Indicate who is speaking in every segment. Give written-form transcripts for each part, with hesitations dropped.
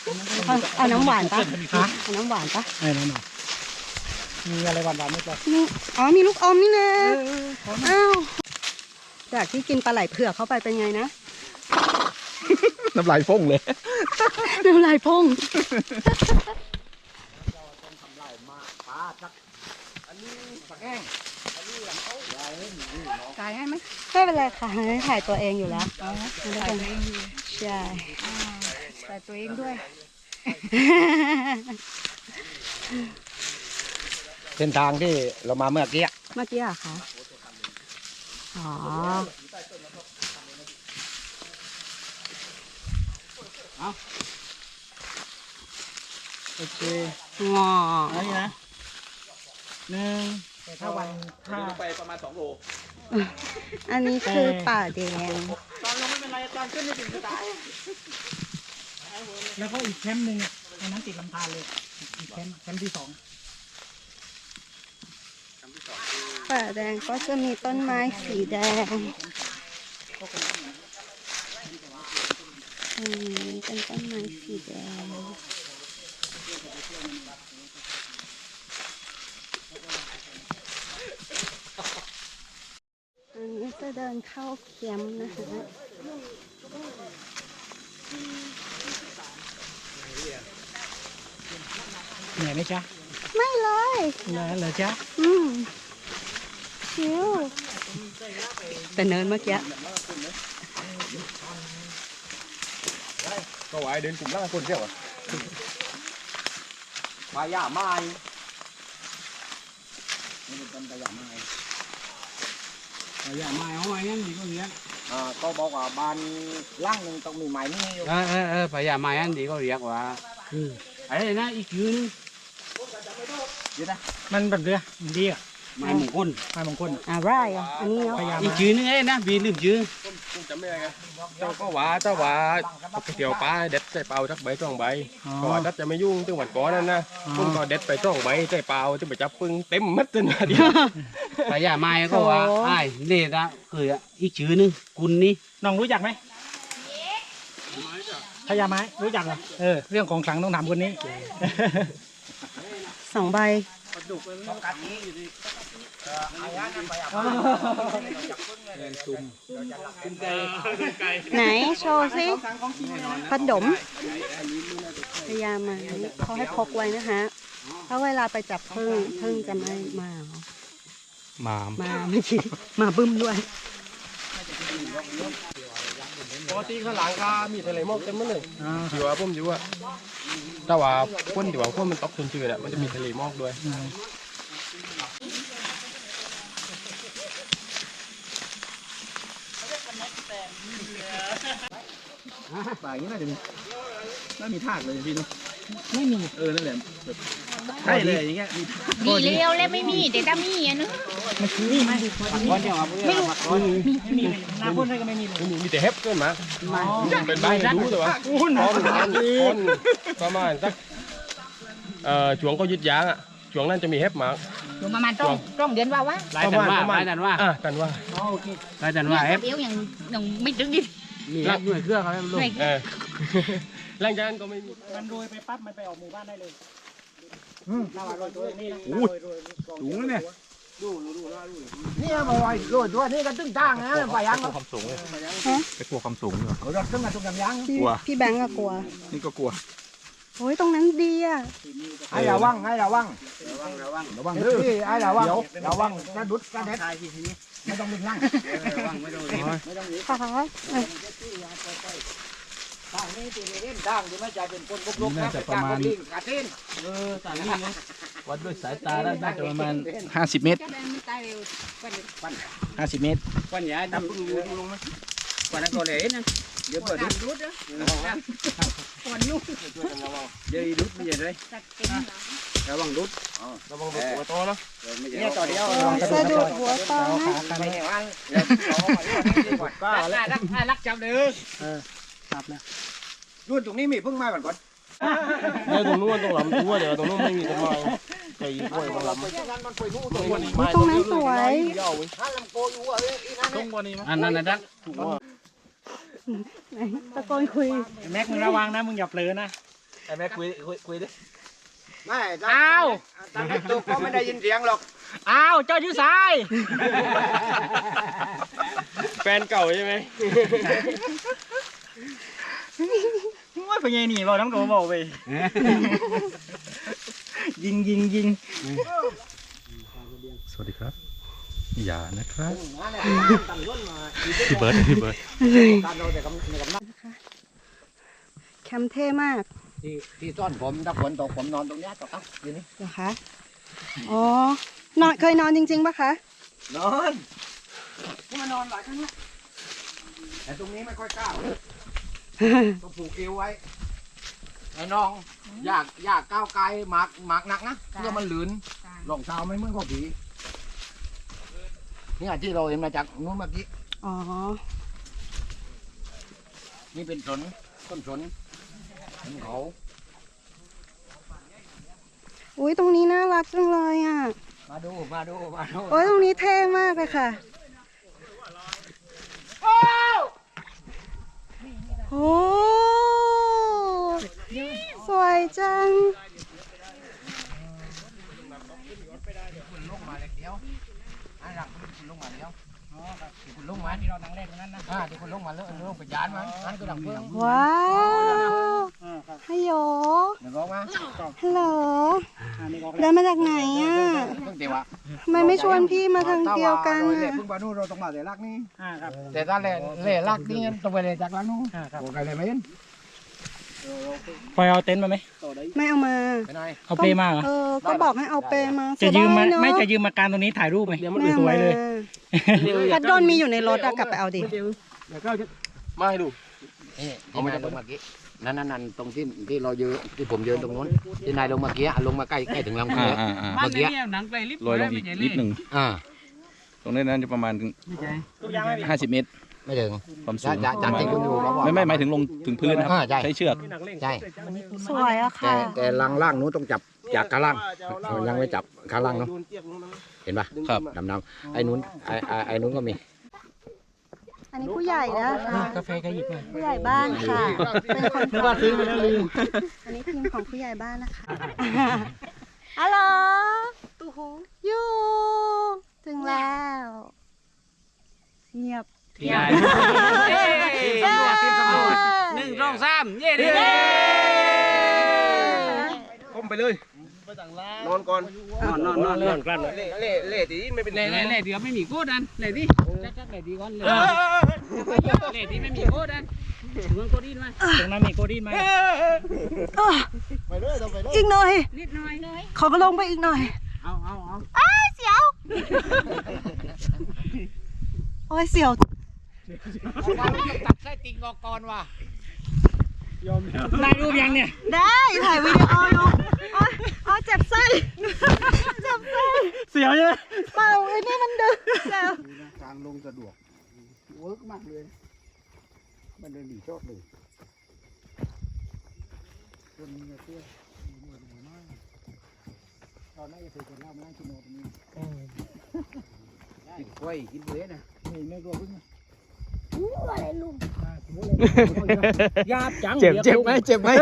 Speaker 1: เอาน้ำหวานปะเอาน้ำหวานปะ
Speaker 2: ไอ้นั่นน่ะมีอะไรหวานๆไหมจ๊ะ
Speaker 1: นี่อ๋อมีลูกอมนี่นะอ้าวจากที่กินปลาไหลเผือกเข้าไปเป็นไงนะ
Speaker 3: น้ำลายฟงเลย
Speaker 1: น้ำลายพองถ่ายให้ไหมไม่เป็นไรค่ะถ่ายตัวเองอยู่แล้วถ่ายตัวเองอยู่ใช่ถ่ายตัวเองด้วย
Speaker 3: เส้นทางที่เรามาเมื่อกี้
Speaker 1: เมื่อกี้อะคะอ๋อ
Speaker 2: โอเค
Speaker 1: งอ
Speaker 2: อันนี้นะถ้าวันถ้า
Speaker 4: ไปประมาณ2 โล
Speaker 1: อันนี้คือป่าแดง
Speaker 2: ตอนลงไม่เป็นไรตอนขึ้นไม่ถึงจะตายแล้วก็อีกแคมป์หนึ่งอันนั้นติดลำธารเลยอีกแคมป์ที่ 2
Speaker 1: ป่าแดงก็จะมีต้นไม้สีแดงเป็นต้นไม้สีแดงอันนี้จะเดินเข้าแคมป์นะคะ
Speaker 2: เหนื่อยไหมจ๊ะ
Speaker 1: ไม่เลย
Speaker 2: เหรอจ๊ะ
Speaker 1: ชิวแต่เนินเมื่อกี้
Speaker 3: ก็ไว้เดินกลุ่มล่างคนเดียวปลาย่าไม้นี่เป็นต้นปลาย่าไม้
Speaker 2: อย่ามาเอาไว้งั้นดีกว่านี้
Speaker 3: ก็บอกว่าบ้านล่างหนึ่งต้องมีไม้นี่อยู่
Speaker 4: พยายามมาอันดีก็เรียกว่าไอ้นะอีกยืน
Speaker 2: มันแบบเรือมันดีอ่ะ
Speaker 4: ไม้มงคล
Speaker 2: ไม้มงคล
Speaker 1: อะไรอ่ะอันนี้เนาะ
Speaker 2: พยายาม
Speaker 4: อีกยืนนึงไอ้นะบีลืมยืน
Speaker 5: จำไม่ได้ไงเจ้าก็ว่าเกี่ยวปลาเด็ดใส่เปล่าสักใบ2 ใบก็ว่าจะไม่ยุ่งตึงวันก่อนนั่นนะผมก็เด็ดไป2 ใบใส่เปล่าตึงไปจับปึ้งเต็มมัดจนเดียว
Speaker 4: พยายามมาก็ว่าไอ้เนี่ยนะคืออีกยืนนึงกุนนี่
Speaker 2: น้องรู้จักไหมพญาไม้รู้จักเหรอเรื่องของขลังต้องถามคนนี้
Speaker 1: 2 ใบไหนโชว์สิขนมพยายามมาเขาให้พกไว้นะคะเพราะเวลาไปจับพึ่งจะไม่มา ไม่คิดมาบึ้มด้วย
Speaker 5: ปกติข้างหลังก็มีทะเลหมอกเต็มหมดเลยอยู่ว่าผมอยู่ว่าแต่ว่าคนที่ว่าคนมันตกชื้นๆน่ะมันจะมีทะเลหมอกด้วย
Speaker 3: ป่าอย่างนี้น่าจะมีน่ามีทากเลยพี่นุ๊ก
Speaker 2: ไม่มี
Speaker 3: นั่นแหละใช่เลยอย่างเงี้ย
Speaker 6: ดีเลี้ยวแล้วไม่มีเดี๋ยวจะมีอ่ะนึก
Speaker 2: มันคือนี่มัน
Speaker 4: ก้อนเดียวครับ
Speaker 6: ไม่รู้
Speaker 2: ไม่มีหน้าพ่นให้ก็ไม่มีเลย
Speaker 5: มีแต่เห็บเกินมาเป็นใบให้รู้แต่ว่าประมาณสักช่วงก็ยึดยางอ่ะช่วงนั้นจะมีเห็บมาก
Speaker 6: อยู่ประมาณต้องเดือนว่าวะ
Speaker 4: ลายตันว่าลายตันว่า
Speaker 5: กันว่า
Speaker 2: โอเค
Speaker 4: ลายตันว่าเอฟ
Speaker 6: เดี๋ยวยังไม่ถึงดิ
Speaker 4: มีหน่วยเครื่องเขาลูก
Speaker 5: หลังจากนั้นก็ไม่มี
Speaker 2: มันโรยไปปั๊บมันไปออกหมู่บ้านได้เลยถ้าว่าโรยตัวนี้นะ
Speaker 3: สูงเนี่ยนี่มาไว้ด้วยตัวนี้ก็ตึ้งตั้งนะไปยังความสูงเลยไปกลัวความสูงเหรอเราตึ้งมาตรงกำยัง
Speaker 1: พี่แบงก์ก็กลัว
Speaker 3: นี่ก็กลัว
Speaker 1: โอ้ยตรงนั้นดีอ่ะ
Speaker 3: ให้ระวังระวังดื้อให้ระวังกระดุดกระเด็ดไม่ต้องมึงนั่ง
Speaker 1: ค่ะ
Speaker 3: ทางนี้ที่เล่นทางที่ไม่ใจเป็นคนบุกรุกนะประมาณกาเต้น
Speaker 4: ต่างนี่วัดด้วยสายตาแล้วน่าจะประมาณ
Speaker 3: 50 เมตร
Speaker 6: จะได้ไม่ตายเร็ว
Speaker 3: 50 เมตร
Speaker 4: ก้อนใหญ่ดำพึ่งลงไหมก้อนนั้นก็เลยนะเดี๋ยวเปิดดู
Speaker 6: รุดนะก่อนลูก
Speaker 4: เดี๋ยวดูไม่ใช่เลย
Speaker 6: ตัดเต็ม
Speaker 4: ระวังดู
Speaker 5: ระวังตัวโตนะ
Speaker 3: เนี่ยต่อเดียว
Speaker 1: สะดุดหัวตอนะ
Speaker 3: ไม่เห็นว่าก็แล้ว
Speaker 4: รักจับเลย
Speaker 2: ครับแล้ว
Speaker 3: รุ่นตรงนี้มีพึ่งไม้ก่อน
Speaker 5: ตรงนู้นตรงลำตัวเดี๋ยวตรงนู้นไม่มีต้นไม้ไก่กล้วยตรงลำ
Speaker 1: ตรงนั้นสวย
Speaker 4: อันนั้นนะจ๊ะ
Speaker 1: ไหนตะโกนคุย
Speaker 2: แม็กมึงระวังนะมึงอย่าเผลอนะ
Speaker 3: แม่คุยดิ
Speaker 7: ไม่อ้าวตอนนี้ตัวก็ไม่ได้ยินเสียงหรอก
Speaker 2: อ้าวเจ้าอยู่ซ้าย
Speaker 5: แฟนเก่าใช่ไหม
Speaker 2: ว่าเป็นไงนี่เราน้ำตัวบอกไปยิง
Speaker 8: สวัสดีครับ อย่านะครับพี่เบิร์ด
Speaker 1: แคมป์เท่มาก
Speaker 7: ที่ซ่อนผมถ้าฝนตกผมนอนตรงนี้ต่อครับอยู่นี่
Speaker 1: เหรอคะอ๋อนอนเคยนอนจริงๆปะคะ
Speaker 7: นอนนี่มานอนหลายครั้งแล้วแต่ตรงนี้ไม่ค่อยกล้าต้องผูกเอวไว้ไอ้น้องอยากก้าวไกลหมากหนักนะเพื่อมันหลืนรองเท้าไม่เหมือนกับผีนี่ที่เราเห็นมาจากนู้นเมื่อกี้
Speaker 1: อ๋อ
Speaker 7: นี่เป็นต้นสนเขา
Speaker 1: อุ้ยตรงนี้น่ารักจังเลยอ่ะ
Speaker 7: มาดู
Speaker 1: โอ้ยตรงนี้เท่มากเลยค่ะโอ้สวยจัง
Speaker 7: คุณลงมาเล็กเดียวอันหลักคุณลงมาเดียวที่คุณลงมา
Speaker 2: ที่เรานั่งเล่นตรงนั้นนะ
Speaker 7: ที่คุณลงมาแล้วลงไปยานมันอันก็ดังเพิ่ม
Speaker 1: ว้าวฮัลโหล
Speaker 7: เดี๋ยวบอกมา
Speaker 1: ฮัลโหลเดินมาจากไหนอ่ะ
Speaker 7: เพิ่งเดี๋ยวอะ
Speaker 1: ทำไมไม่ชวนพี่มาทางเดียวกัน
Speaker 7: เล่
Speaker 1: อ่ะ
Speaker 7: เพิ่งมาดูเราต้องมาแต่ลักนี่
Speaker 2: ครับ
Speaker 7: แต่ถ้าเล่ลักนี่ต้องไปเล่จากลักนู้นโอ้ไกลเลยไหมยัน
Speaker 2: พอเอาเต็นท์มาไหม
Speaker 1: ไม่เอามา
Speaker 7: ไปไหน
Speaker 2: เอาเปลมาเหรอ
Speaker 1: ก็บอกให้เอาเปมา
Speaker 2: จะยืมมา
Speaker 1: เสีดเนอะ
Speaker 2: ไม่จะยืมมาการตรงนี้ถ่ายรูปไหม
Speaker 1: ไม่
Speaker 2: สวยเลย
Speaker 1: พัดโดนมีอยู่ในรถอะกลับไปเอาดิ
Speaker 5: มาให้ดู
Speaker 7: นี่ที่นายลงเมื่อกี้นั่นตรงที่เรายืนที่ผมยืนตรงนู้นที่นายลงเมื่อกี้ลงมาใกล้ถึงลำคอเมื่อกี้
Speaker 4: หนังไกลลิฟต์
Speaker 8: ลอยลงอีกนิดหนึ่ง ตรงนี้นั้นจะประมาณ50 เมตร
Speaker 7: ไม่ถึง
Speaker 8: ความสูง
Speaker 7: จากที่คุณอยู่เราบอก
Speaker 8: ไม่หมายถึงลงถึงพื้นนะครับ
Speaker 7: ใช่
Speaker 8: ใช้เชือก
Speaker 7: ใช่
Speaker 1: สวยอะค่ะ
Speaker 7: แต่ล่างนู้นต้องจับจากข้างล่างมันยังไม่จับข้างล่างเนาะเห็นปะ
Speaker 8: ครับ
Speaker 7: ดำๆไอ้นู้นก็มี
Speaker 1: อันนี้ผู้ใหญ่นะคะ
Speaker 2: กาแฟก็หยิบมา
Speaker 1: ผู้ใหญ่บ้านค่ะ เป็นคน
Speaker 2: นึกว่าซื้อมาแล้วลืม
Speaker 1: อันนี้ทีมของผู้ใหญ่บ้านนะคะ ฮัลโหลตูหูยูถึงแล้ว เงียบ
Speaker 4: ทีมสำรวจ1 2 3เย้ดิ
Speaker 5: ก้มไปเลยนอนก่อน
Speaker 4: นอน
Speaker 5: กลั้นเล่ตีไม่เป็น
Speaker 4: เล่เดี๋ยวไม่มีโคตรดันเล่ดิจัดเล่ดีก่อนเลยเล่ที่ไม่มีโคตรดันมึงโคตรดีไหม
Speaker 2: ตรงนั้นมีโกดี้ไหม
Speaker 1: อีกหน่อย
Speaker 6: นิดหน่อยเลย
Speaker 1: ขอก็ลงไปอีกหน่อย
Speaker 4: เอา
Speaker 1: เสียว โอ้ยเสียว
Speaker 7: ตัดไส้ติ่งออกก่อนว่ะ
Speaker 2: ได้รูปยังเนี่ย
Speaker 1: ได้ถ่ายวิดีโออยู่อ๋อเจ็บไส้เจ็บไส้
Speaker 2: เสียวใช่ไหม
Speaker 1: เปล่าไอ้นี่มันดึงแล้ว
Speaker 7: ทางลงสะดวกเวิร์กมากเลยมันเดินดีชอบเลยคนมีเสื้อตอนนั้นจะถือคนเล่ามานั่งกินโนตรงนี้กินกล้วยกินเบื้อนะนี่ไม่กลัวพึ่ง
Speaker 2: ยาบจัง
Speaker 3: เจ็บไหม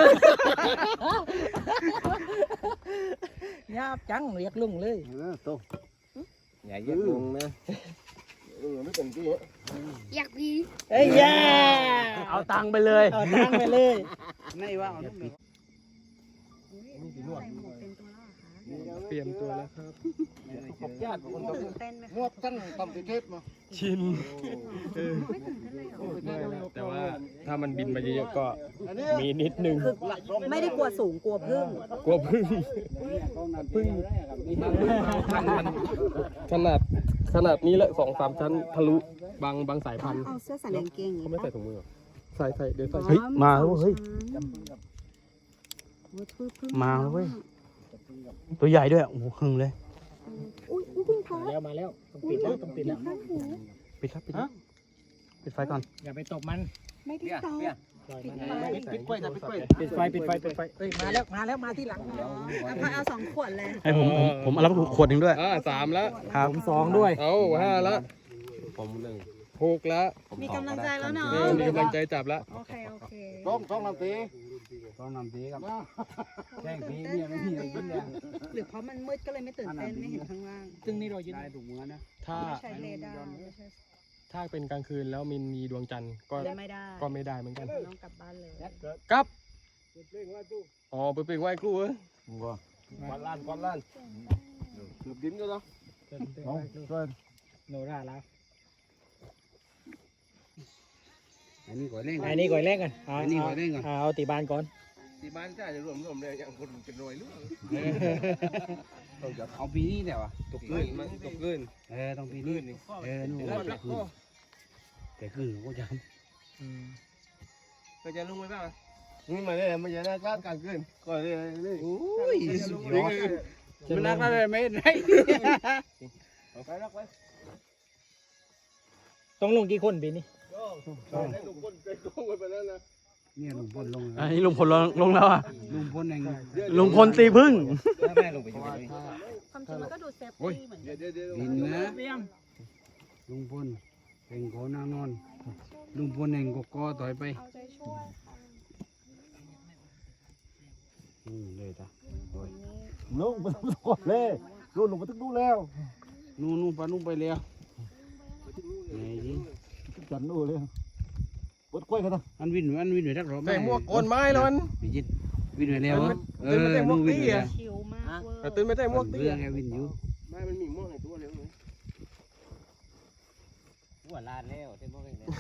Speaker 2: ยาบจังเรียกลุงเลย
Speaker 7: โต
Speaker 5: อย่าเย็ดลงนะ
Speaker 7: ไม่เป็นที่
Speaker 6: อยากดี
Speaker 2: เอ้ยยา
Speaker 3: เอาตังค์ไปเลย
Speaker 2: เอาตังไปเลย
Speaker 7: ไม่ว่าเอาลูกเม็ด
Speaker 5: เปลี่ยนตัวแล้วครับ
Speaker 7: ขอบญาติคนต้อง
Speaker 1: เต้นไหม
Speaker 7: งวดตั้งทำเทปมา
Speaker 5: ชินแต่ว่าถ้ามันบินมาเยอะๆก็มีนิดนึง
Speaker 1: ไม่ได้กลัวสูงกลัวพึ่ง
Speaker 5: กลัวพึ่งมันขนาดนี้แหละ2-3 ชั้นทะลุบางสายพันธุ์
Speaker 1: เอาเสื้อใส่กางเกงอย่าง
Speaker 5: เขา
Speaker 1: นี้
Speaker 5: ไม่ใส่ถุงมือหรอใส่เดี๋ยวใส่
Speaker 8: เฮ้ยมาแล้วเฮ้ย
Speaker 1: มาแล้วเว้ย
Speaker 8: ตัวใหญ่ด้วย โอ้โหหึงเลย
Speaker 1: อุ้ยพึ่งท้า
Speaker 2: มาแล้วต้องปิดแล้วต้องปิดแล้ว
Speaker 1: ข้างหู
Speaker 8: ปิดครับปิดครับปิดไฟก่อน
Speaker 2: อย่าไปตบมัน
Speaker 1: ไม่ได้ตอบ
Speaker 7: ปิดกล้วยนะปิดกล้วย
Speaker 2: ปิดไฟเฮ้ยมาแล้วมาที่หลัง
Speaker 1: เอา2 ขวดเลย
Speaker 8: ให้ผมเอาแล้วขวดหนึ่งด้วย
Speaker 5: 3 แล้ว
Speaker 8: ครับ
Speaker 2: ผม2ด้วย
Speaker 5: เอา5 แล้วผม1 ถูกแล้ว
Speaker 1: มีกำลังใจแล้วเนาะ
Speaker 5: มีกำลังใจจับแล้ว
Speaker 1: โอเคโอเค
Speaker 7: ต้องนำตีครับแข่งตีเนี่ยไม่มีอะไรกินเนี่ย
Speaker 1: หรือเพราะมันมืดก็เลยไม่ตื่นเต้นไม่เห็นข้างล่าง
Speaker 2: ซึ่งนี่เรายึด
Speaker 7: ได้ถูกมือนะ
Speaker 5: ถ้า
Speaker 1: ไม่ใช่เรดาร์ไม่ใช่
Speaker 5: ถ้าเป็นกลางคืนแล้วมีดวงจันทร์ก็
Speaker 1: ไม่ได้
Speaker 5: ก็ไม่ได้เหมือนกัน
Speaker 1: ต้องกลับบ้านเลย
Speaker 5: ครับอ๋อไปเปล่งไหว้ครูเหรอ
Speaker 7: ก้อนล้านเกือบดิ้นแล้วเนาะ
Speaker 2: โนราแล้ว
Speaker 7: อันนี้ก่อนเล่น
Speaker 2: อันนี้ก่อยเล่นกัน
Speaker 7: อันนี้ก่อนเล่นก่อน
Speaker 2: เอาตีบานก่อน
Speaker 5: ที่บ้านจ้าจะรวมเลยอย่างคนเป็นรวยลูก
Speaker 7: เอาปีนี้เดี๋ยวอ่ะ
Speaker 5: ตกเกินมันตกเกิน
Speaker 7: ต้องปีนี้นู่นแต่ขึ้นก็จ
Speaker 5: ก็จะลงไปบ้าง
Speaker 7: นี่มาเนี่ยมันจะน่าการการขึ้นก็เลยนี่โอ้ยสุดยอด
Speaker 4: มันนักอะไรไม่ได้
Speaker 7: ไปรักไว้
Speaker 2: ต้องลงกี่คนปีนี้
Speaker 7: ลุงพลไปลงไปแล้วนะเนี่ยลุงพลลง
Speaker 8: อันนี้ลุงพลลงแล้วอ่ะ
Speaker 7: ลุงพลเอง
Speaker 8: ลุงพลตีพึ่ง
Speaker 7: แม่ลงไปอยู่
Speaker 1: ความจริงมันก็ดูเซฟตี้เหมือนกัน
Speaker 7: ดินนะลุงพลเองโกนางนอนลุงพลเองก็กอต่อยไป
Speaker 1: เอาใจช่วย
Speaker 7: เลยจ้ะ
Speaker 3: ลุงมันต้องกดเลยลุงมันต้องดูแล้ว
Speaker 7: นู่นปะนู่นไปแล้วไงจี
Speaker 3: จันดูเลยปวดกล้วยกันนะ
Speaker 7: อันวินอยู่ทักรอบ
Speaker 5: ใส่หมวกโกนไม้แล้วมัน
Speaker 7: วิจิตวินไปแล้วนู่นวินไปแล้ว
Speaker 1: ชิวมากเวอร์
Speaker 5: ตื่นไม่ได้หมวกตี
Speaker 7: เรื่องแกวินอยู่
Speaker 5: ไม่มันมีหมวกในตัวเร็วเลย
Speaker 2: หัวลานแล้วเต็มพวกนี้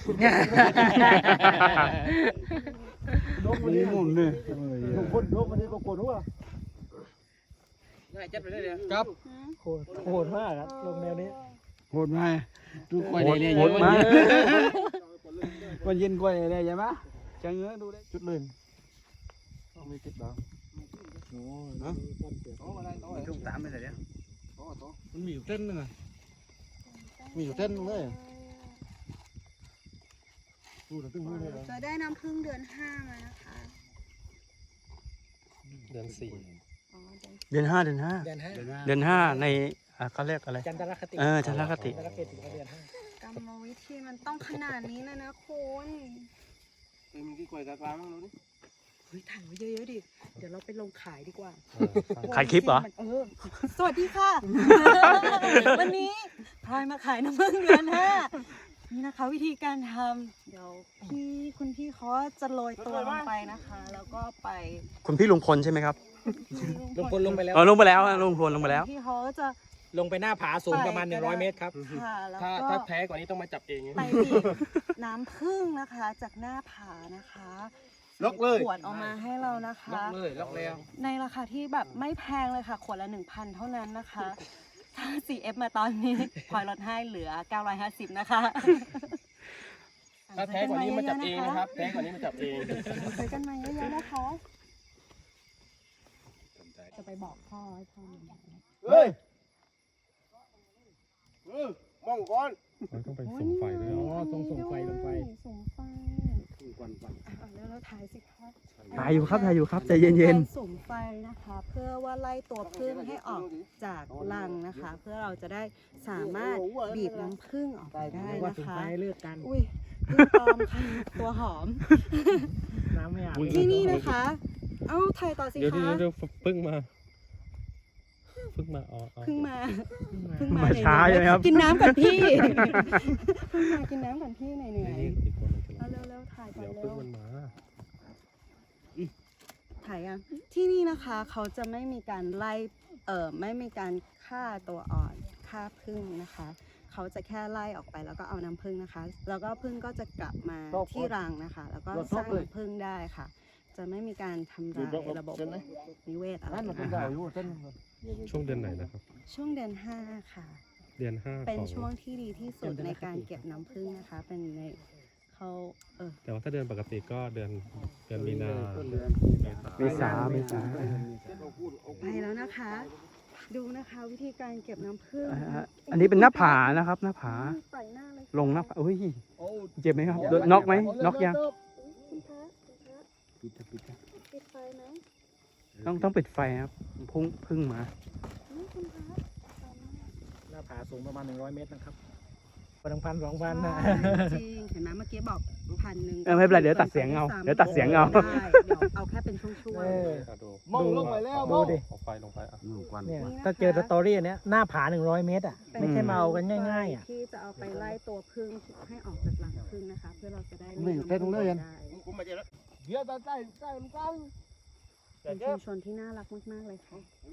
Speaker 7: นี่มุ่นเลย
Speaker 3: ลุงพลลุงมันนี่ก็โกนหัว
Speaker 4: ง่ายจัดไปได้เลย
Speaker 5: ครับ
Speaker 2: โหดมากครับลงแนวนี้
Speaker 7: โหดมาดูกล้วยเนี่ย
Speaker 8: โหดมาก
Speaker 7: วันเย็นกล้วยเนี่ยใช่ไหมจังเงื้อดูได้
Speaker 3: จุดเลยไม่ติดดาว
Speaker 7: จุ่มตามไปเลยเนี่ย
Speaker 3: มันมีอยู่เต้นนึงอ่ะมีอยู่เต้นนึงเลยดูแต่ตึ้งเลย
Speaker 1: จะได้น้ำพึ่งเดือน 5มานะคะ
Speaker 5: เดือน4
Speaker 1: อ๋อ
Speaker 8: เดือนห้า
Speaker 2: เดือนห้า
Speaker 8: เดือนห้าในเขาเรียกอะไร
Speaker 2: จันทรคติ
Speaker 8: จันทรคติ
Speaker 2: จันทรคติเดือนห้าก
Speaker 1: รรมวิธีมันต้องขนาดนี้เลยนะคุณ
Speaker 5: มีที่กล้วยกลางๆมั้งรู้ดิ
Speaker 1: เฮ้ยถ่ายไว้เยอะๆดิ เดี๋ยวเราไปลงขายดีกว่า
Speaker 8: ขายคลิปเหรอ
Speaker 1: สวัสดีค่ะ วันนี้พลอยมาขายน้ำผึ้งเดือน 5นี่นะคะวิธีการทำเดี๋ยวคุณพี่เขาจะโรยตัวลงไปนะคะ แล้วก็ไป
Speaker 8: คุณพี่ลุงพลใช่ไหมครับ
Speaker 2: ลงพลลงไปแล้ว
Speaker 8: ลงไปแล้วลุงพลลงไปแล้ว
Speaker 1: พี่เขาจะ
Speaker 2: ลงไปหน้าผาสูงประมาณ100 เมตรครับ
Speaker 1: ค่ะแล้ว
Speaker 5: ถ้า
Speaker 1: ก็
Speaker 5: แพ้กว่านี้ต้องมาจับเอง
Speaker 1: ไปบีบน้ำผึ้งนะคะ จากหน้าผานะคะขวดออกมาให้เรานะคะ
Speaker 4: ล็อกแล้ว
Speaker 1: ในราคาที่แบบไม่แพงเลยค่ะ ขวดละ 1,000 เท่านั้นนะคะ ถ้า 4F มาตอนนี้ พลอยลดให้เหลือ 950 นะคะ
Speaker 5: ถ้าแพ้กว่านี้มาจับเองนะครับแพ้กว่านี้มาจับเอง
Speaker 1: ซื้อกันมาเยอะๆนะคะ จะไปบอกพ่อให้พ่อมา
Speaker 3: เฮ้ย
Speaker 7: มองก่อน
Speaker 5: ต้องไปส่งไฟด้วย
Speaker 2: อ๋อต้องส่งไฟลงไป
Speaker 1: ส่งไฟแล้วเราถ่ายสิคะ
Speaker 8: ถ่ายอยู่ครับใจเย็น
Speaker 1: การสุ่มไฟนะคะ เพื่อว่าไล่ตัวผึ้งให้ออกจากรังนะคะ เพื่อเราจะได้สามารถบีบน้ำผึ้งออกไปได้
Speaker 2: ว่า
Speaker 1: นะ
Speaker 2: สุด
Speaker 1: คะ
Speaker 2: ท้ายเลือกกัน
Speaker 1: อุ้ยผึ้งปลอมค่ะตัวหอม
Speaker 2: น้ำไม่อาบ
Speaker 1: ที่นี่นะคะ เอ้าถ่ายต่อสิ
Speaker 5: เดี๋ยว
Speaker 1: คะ
Speaker 5: เดี๋ยวพึ่งมาอ๋อ
Speaker 1: เพิ่งมา
Speaker 8: มาช้าใช่ไหมครับ
Speaker 1: กินน้ำก่อนพี่ เพิ่งมากินน้ำก่อนพี่เหนื่อยๆเอาเร็วๆถ่ายก่อน
Speaker 5: เดี๋ยว
Speaker 1: เร็
Speaker 5: พึ่ง
Speaker 1: ว
Speaker 5: มันมา
Speaker 1: ถ่ายยังที่นี่นะคะเขาจะไม่มีการไล่ไม่มีการฆ่าตัวอ่อนฆ่าผึ้งนะคะ เขาจะแค่ไล่ออกไปแล้วก็เอาน้ำผึ้งนะคะ แล้วก็ผึ้งก็จะกลับมาที่รังนะคะ แล้วก็สร้างน้ำผึ้งได้ค่ะ จะไม่มีการทำลายระบบนิเวศอะไร
Speaker 3: นั่นมันเป็น
Speaker 1: นะ
Speaker 3: ดา
Speaker 1: คะ
Speaker 3: วอยู่เต้น
Speaker 5: ช่วงเดือนไหนนะครับ
Speaker 1: ช่วงเดือน 5 ค่ะ
Speaker 5: เดือน5
Speaker 1: เป็นช่วงที่ดีที่สุดในการเก็บน้ำผึ้งนะคะ เป็นในเขา
Speaker 5: แต่ว่าถ้าเดือนปกติก็เดือนมีนา
Speaker 8: ๆเมษา
Speaker 1: ไปแล้วนะคะ ดูนะคะวิธีการเก็บน้ำผึ้ง
Speaker 8: อันนี้เป็นหน้าผานะครับหน้าผา
Speaker 1: ใส่หน้าเลย
Speaker 8: ลงหน้าผาอุ้ยเจ็บไหมครับน็อกไหมน็อกยัง
Speaker 1: คุณพระปิดไฟไหม
Speaker 8: ต้องปิดไฟครับพึ่งมา
Speaker 1: คุณพระ
Speaker 2: หน้าผาสูงประมาณ100 เมตรนะครับ 1,000-2,000นะ
Speaker 1: จริงเห็นไหมเมื่อกี้บอก1,000
Speaker 2: ไม่เป็นไรเดี๋ยวตัดเสียงเอาเดี๋ยวตัดเสียงเอา
Speaker 1: ได้เดี๋ยวเอาแค่เป็นช่วง
Speaker 3: มองลงไปแล้วดูดิ
Speaker 5: เอาไฟลงไปอ่ะ
Speaker 2: เนี่ยถ้าเจอสตอรี่อันเนี้ยหน้าผา100 เมตรอ่ะ
Speaker 1: ๆ
Speaker 2: ไม่ใช่มาเอากันง่ายๆอ่ะ
Speaker 1: ที่จะเอาไปไล่ตัวผึ้งให้ออกจากรังผึ้งนะคะ เพื่อเราจะได้
Speaker 3: นี่เต้นเลยยัน
Speaker 1: ได้
Speaker 3: เดี๋ยวใต้มันกัน
Speaker 1: เป็นชุมชนที่น่ารักมากๆเลยค่ะ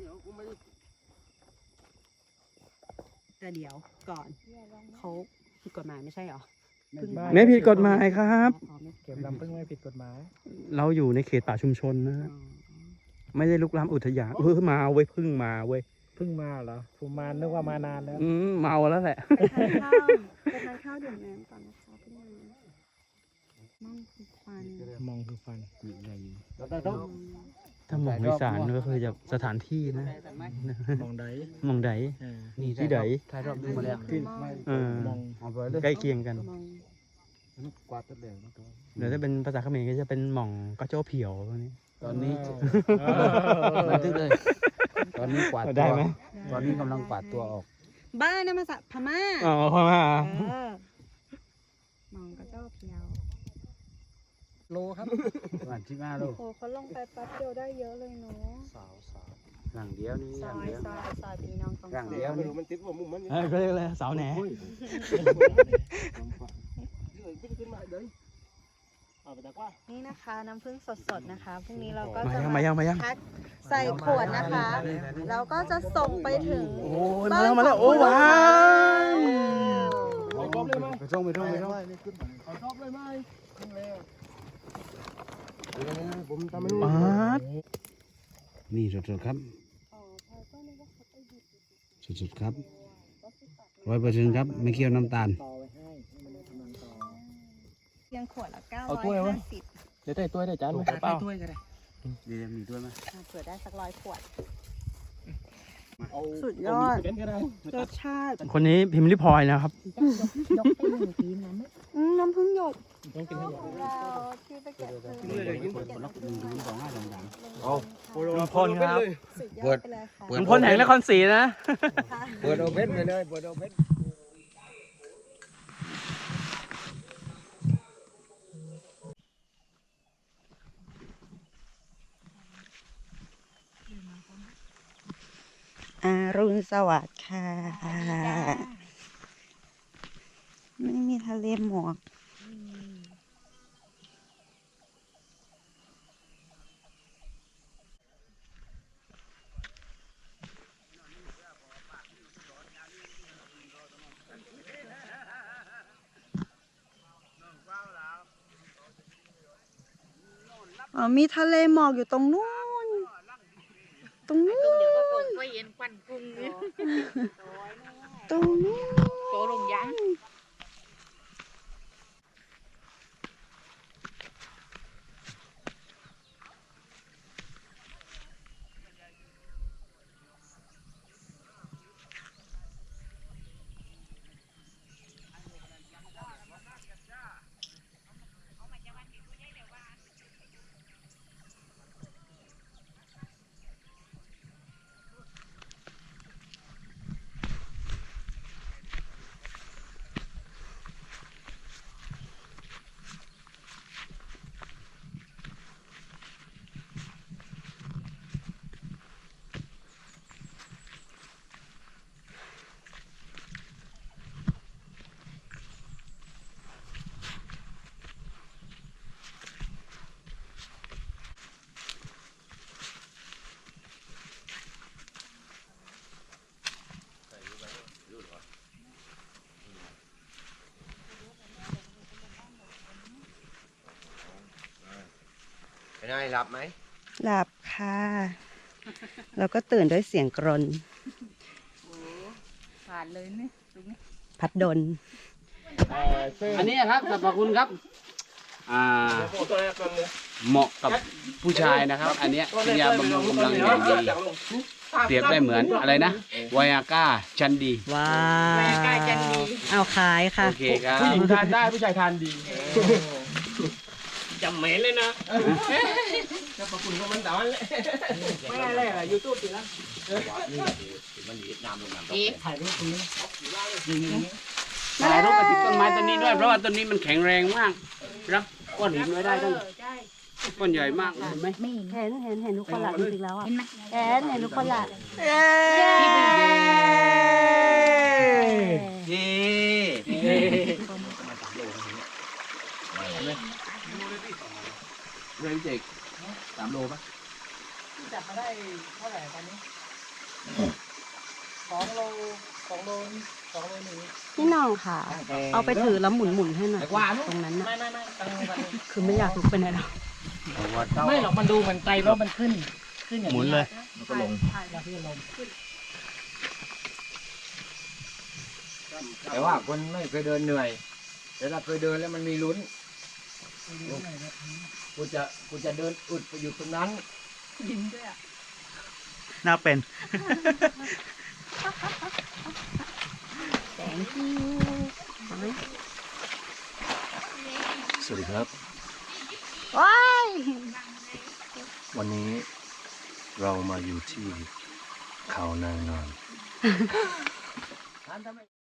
Speaker 1: แต่เดี๋ยวก่อนเขาผิดกฎหมายไม่ใช่หรอ
Speaker 8: ไม่ผิดกฎหมายครับ
Speaker 2: เก็บลำพึ่งไม่ผิดกฎหมาย
Speaker 8: เราอยู่ในเขตป่าชุมชนนะ ไม่ได้ลุกล้ำอุทยานมาเว้ยเพึ่งมาเว้ย
Speaker 2: เพิ่งมาเหรอผมมานึกว่ามานานแล้ว
Speaker 8: เมาแล้วแหละ
Speaker 1: ไปทานข้าวดื่มน้ำก่อนนะคะพี่นายมั่งคือควัน
Speaker 2: มองคือฟัน
Speaker 8: ถ้ามองอีสานก็คือจะสถานที่นะ
Speaker 2: มองใด
Speaker 8: มองใดนี่ที่ใด
Speaker 7: ถ่ายรอบดูมาแล้ว
Speaker 2: มอง
Speaker 7: เอาไปเลย
Speaker 8: ใกล้เคียงกัน
Speaker 1: มอง
Speaker 7: กวาดตัวเดียว
Speaker 8: เดี๋ยวถ้าเป็นภาษาเขมรก็จะเป็นหม่องกระโจ้เผียวพวกนี้
Speaker 7: ตอนนี้บันทึกเลย ตอนนี้กวาด
Speaker 8: ได้
Speaker 7: ตัว
Speaker 8: ไหม
Speaker 7: ตอนนี้กำลังกวาดตัวออก
Speaker 1: บ้านนะมาจากพม่า
Speaker 8: อ๋อพม่า
Speaker 1: มองกระเจ้าเพียว
Speaker 2: โลครับ
Speaker 7: ประมาณ15 โล
Speaker 1: โอ้เขาลงไปแป๊บเดียวได้เยอะเลยเนาะ
Speaker 7: หลังเดียวนี่
Speaker 1: ซ
Speaker 7: หลั
Speaker 1: อง ย
Speaker 7: เดียว
Speaker 1: ซอยพี่น้องต้อง
Speaker 7: หลังเดียวนี่
Speaker 8: ก็เรียกอะไรสาวแหน
Speaker 1: นี่นะคะน้ำผึ้งสดๆนะคะพรุ่งนี้เราก็
Speaker 8: มา
Speaker 1: จะ
Speaker 8: ยังมายังมายัง
Speaker 1: แพ็คใส่ขวดนะคะแล้วก็จะส่งไปถึง
Speaker 8: โอ้ยมาแล้วมาแล้วโอ้ว้าว
Speaker 7: ไปส่งไปส่งไปส่ง
Speaker 8: ป๊าด
Speaker 7: นี่สดๆครับสดๆครับ100%ครับไม่เคี่ยวน้ำตาล
Speaker 1: เพียงขวดละ
Speaker 5: เอาถ้วยวะ
Speaker 1: 950
Speaker 5: เดี๋ยวได้ตัวได้จานไหมเปล่า
Speaker 7: เดี๋ยวมีด้วยไหม
Speaker 1: เผื่อได้สัก100 ขวด สุดยอดรสชาติ
Speaker 8: คนนี้พิมพ์ริพลอยนะครับ
Speaker 1: น้ำผึ้งหยด
Speaker 2: ต้องกินให้หมด
Speaker 1: ที่ไปเก็บผึ้ง
Speaker 8: ลุงพลครับ
Speaker 1: สุดยอดไปเลยค่ะ
Speaker 8: ลุงพลแห่งนครศรีนะ
Speaker 7: เปิดโอเพ่นไปเลยเปิดโอเพ่น
Speaker 1: อรุณสวัสดิ์ค่ะ ไม่มีทะเลหมอกมีทะเลหมอกอยู่ตรงนู้น ตรงนู้น
Speaker 6: เดี๋ยวก็คงไปเย็นควันกุ้งเนี่ย
Speaker 1: ตรงนู้น
Speaker 6: โตลงยัง
Speaker 7: เป็นไงหลับไหม
Speaker 1: หลับค่ะ แล้วก็ตื่นด้วยเสียงกรน
Speaker 6: ผ่านเลยเนี่ยตรงนี้
Speaker 1: พัดดล
Speaker 7: อันนี้ครับสรรพคุณครับเหมาะกับผู้ชายนะครับ อันเนี้ยเป็นยาบำรุงกำลังอย่างดีเปรียบได้เหมือนอะไรนะไวอาก้าชันดี
Speaker 1: ว้าวเอาขายค่ะ
Speaker 7: โอเคครับ
Speaker 5: ผู้หญิงทานได้ผู้ชายทานดีจำเหม็นเลยนะจะประคุณของมันแต่วันเลยไม่ได้เลยยูทูบสินะ
Speaker 6: อีก
Speaker 2: ถ่ายรูปตรงนี้
Speaker 4: ถ่ายรูปไปที่ต้นไม้ต้นนี้ด้วยเพราะว่าต้นนี้มันแข็งแรงมากรับก้อนหินไว้ได้ตั้งก้อนใหญ่มากเห็นไหม
Speaker 1: เห็นทุกคนละจริงๆแล้วอ่ะเห็นทุกคนละ
Speaker 2: เย้
Speaker 7: เรื่องเจก3 โลป่ะ
Speaker 2: จับมาได้เท่าไหร่ตอนนี้2 โล 2 โล 2 โลหนึ่ง
Speaker 1: พี่น้องค่ะ เอาไปถือแล้วหมุนให้หน่อยตรงนั้นน่ะ
Speaker 2: ไม่ตั้งมัน
Speaker 1: คือไม่อยากลุกไปไหนหรอก
Speaker 2: ไม่หรอกมันดูเหมือนไตแล้วมันขึ้นอย่างนี้
Speaker 8: หมุนเลย
Speaker 7: มันก็ลง
Speaker 2: แล้วพี่ลง
Speaker 7: แต่ว่าคนไม่เคยเดินเหนื่อยแต่ถ้าเคยเดินแล้วมันมีลุ้นกูจะเดินอุดไปอยู่ตรงนั้น
Speaker 8: น่าเป็น
Speaker 1: Thank you
Speaker 3: สวัสดีครับ
Speaker 1: ว้าย
Speaker 3: วันนี้เรามาอยู่ที่เขานางนอน